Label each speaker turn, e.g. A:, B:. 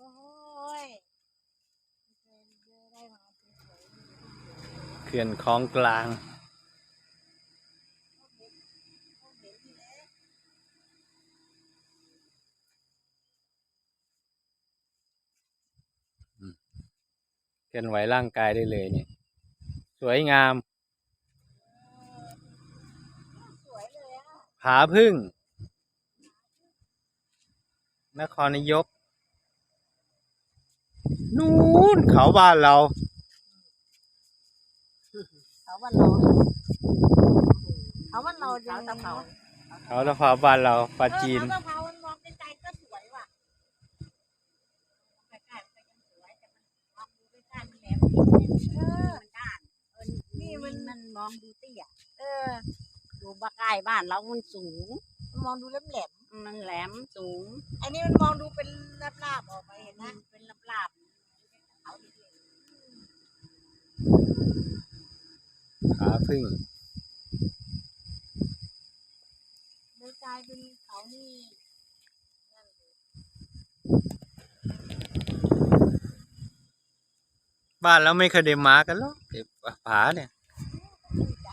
A: ยได้มาสวยๆ
B: เขื่อนคลองกลางเคลื่อนไหวร่างกายได้เลยเนี่ยสวยงามผาพึ่งนครนายกนู่นเขาบ้านเรา
A: เขาวันเราเขาวันเราเขาตะเภา
B: เขาตะเภาบ้านเราปลาจีน
A: เขาตะเภามันมองไกลๆก็สวยว่ะใกล้ๆมันก็ยังสวยแต่มันมองดูใกล้ๆมันแหลมมันด้านนี่มันมองดูเตี้ยดูบ้าใกล้บ้านเรามันสูงมันมองดูแหลมมันแหลมสูงอันนี้มันมองดูเป็นลาบๆออกไปเห็นไหมเป็นลาบๆเขาดี
B: ผาพึ่ง
A: เลยกลายเป็นเขานี่
B: บ้านเราไม่เคยได้มากันหรอกผาเนี่ย
A: ก